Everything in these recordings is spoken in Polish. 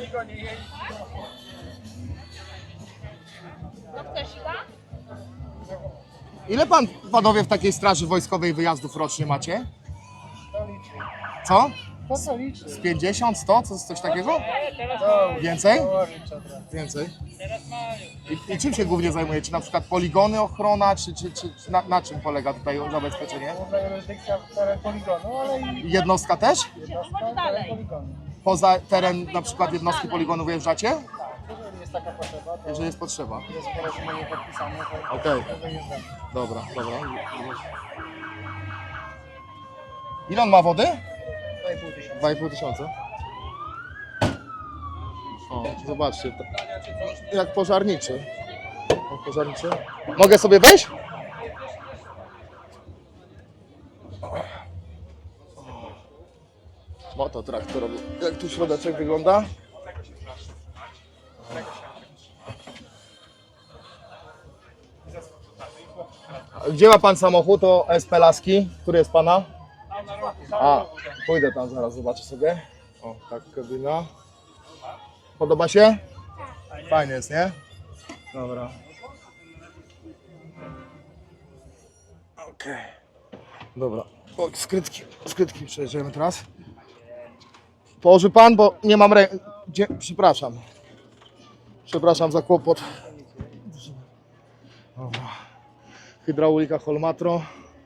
Ile panowie w takiej straży wojskowej wyjazdów rocznie macie? Co? Z 50, 100? Coś takiego? Więcej? Więcej. I czym się głównie zajmujecie? Na przykład poligony, ochrona, czy na czym polega tutaj zabezpieczenie? Jurysdykcja teren poligonu, ale i Jednostka też? jednostka teren poligonu. Poza teren na przykład jednostki poligonu wyjeżdżacie? Jeżeli jest taka potrzeba, to Jeżeli jest potrzeba. jest porozumienie podpisane, to Okej. wyjeżdżamy. Dobra. Ile on ma wody? 2,5 tysiąca. 2,5 tysiąca. O, zobaczcie, jak pożarniczy. Pożarniczy. Mogę sobie wejść? Moto traktorowy. Jak tu środeczek wygląda? Gdzie ma pan samochód? To SP Laski. Który jest pana? A, pójdę tam zaraz, zobaczę sobie. O, tak kabina. Podoba się? Fajnie jest, nie? Dobra. Okej. Dobra. O, skrytki przejedziemy teraz. Położy pan, bo nie mam Przepraszam. Przepraszam za kłopot. Dobra. Hydraulika Holmatro.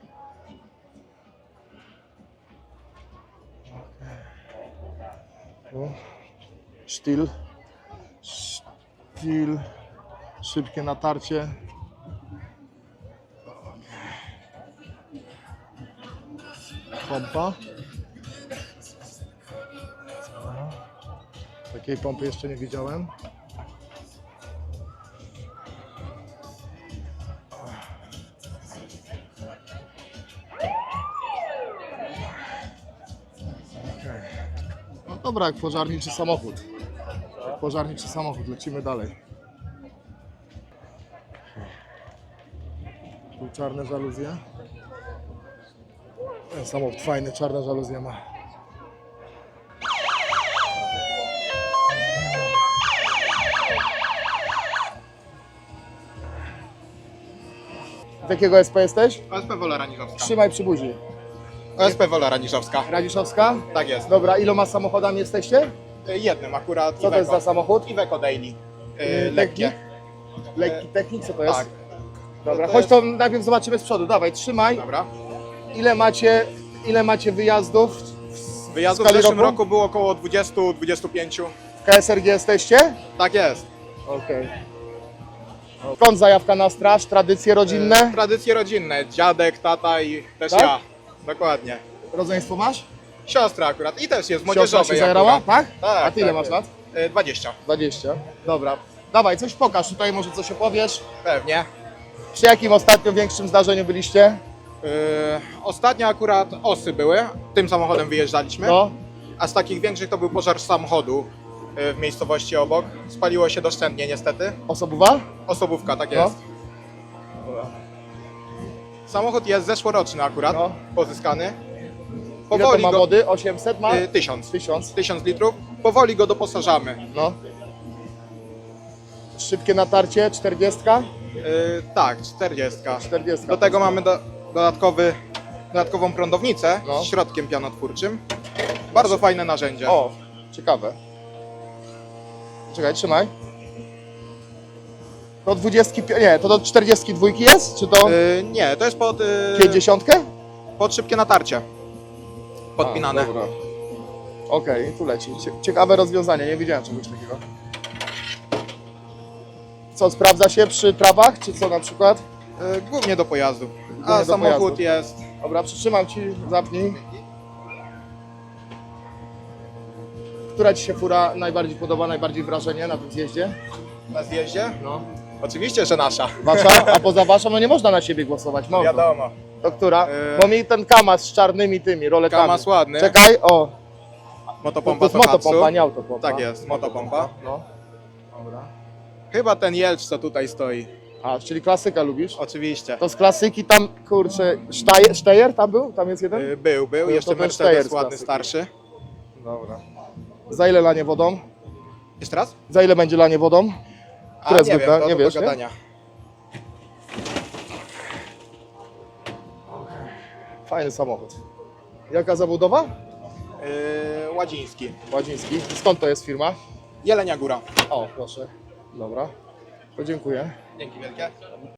Sztyl, szybkie natarcie. Pompa. Takiej pompy jeszcze nie widziałem. No dobra, jak pożarniczy samochód. Pożarniczy samochód, lecimy dalej. Tu czarne żaluzje. Ten samochód fajny, czarne żaluzje ma. Z jakiego SP jesteś? OSP Wola Raniżowska. Trzymaj przy buzi. OSP Wola Raniżowska. Radziszowska? Tak jest. Dobra, iloma samochodami jesteście? Jednym akurat. Co to jest za samochód? Iveco Daily. Lekkie. Lekki technik, co to jest? Tak. Dobra, to chodź jest- to najpierw zobaczymy z przodu, dawaj, trzymaj. Dobra. Ile macie wyjazdów? Wyjazdu w skali zeszłym roku? roku było około 20-25. W KSRG jesteście? Tak jest. Okej. Skąd zajawka na straż? Tradycje rodzinne? Tradycje rodzinne. Dziadek, tata i też Tak? ja. Dokładnie. Rodzeństwo masz? Siostra akurat. I też jest Siostra młodzieżowej się zajarała? akurat. Tak? Tak. A ty ile tak masz lat? jest. 20. 20. Dobra. Dawaj, coś pokaż tutaj, może coś opowiesz. Pewnie. Przy jakim ostatnio większym zdarzeniu byliście? Ostatnio akurat osy były. Tym samochodem wyjeżdżaliśmy. No. A z takich większych to był pożar samochodu w miejscowości obok. Spaliło się doszczętnie niestety. Osobowa? Osobówka, tak No. jest. Samochód jest zeszłoroczny akurat, No. pozyskany. Ile to ma wody? 800 ma? 1000. 1000. 1000 litrów. Powoli go doposażamy. No. Szybkie natarcie, 40? Tak, 40. 40. Do tego mamy dodatkową prądownicę No. z środkiem pianotwórczym. Bardzo fajne narzędzie. O, ciekawe. Czekaj, trzymaj. To 20, nie, to do 42 jest? Czy to Nie, to jest pod 50? szybkie natarcie. Podpinane. A, dobra. Okej, tu leci. Ciekawe rozwiązanie, nie widziałem czegoś takiego. Co, sprawdza się przy trawach, czy co na przykład? Głównie do pojazdu. Głównie A do samochód pojazdu. jest. Dobra, przytrzymam ci, zapnij. Która ci się fura najbardziej podoba, najbardziej wrażenie na tym zjeździe? Na zjeździe? No. Oczywiście, że nasza. Wasza? A poza waszą, no nie można na siebie głosować, można. Wiadomo. To która? Yy. Bo mi ten Kamaz z czarnymi tymi roletami. Kamaz ładny. Czekaj, o. To Motopompa jest motopompa, nie autopompa. Tak jest, motopompa. No. Dobra. Chyba ten Jelcz, co tutaj stoi. A, czyli klasyka lubisz? Oczywiście. To z klasyki tam, kurczę, Steyr tam był? Tam jest jeden? Był. to Jeszcze ten Mercedes Steyr z ładny, klasyki. starszy. Dobra. Za ile lanie wodą? Jeszcze raz? Za ile będzie lanie wodą? A, Które nie zwykle? wiem, to Nie do wiesz, nie? gadania. Fajny samochód. Jaka zabudowa? Ładziński. Ładziński. Skąd to jest firma? Jelenia Góra. O, proszę. Dobra. To dziękuję. Dzięki wielkie.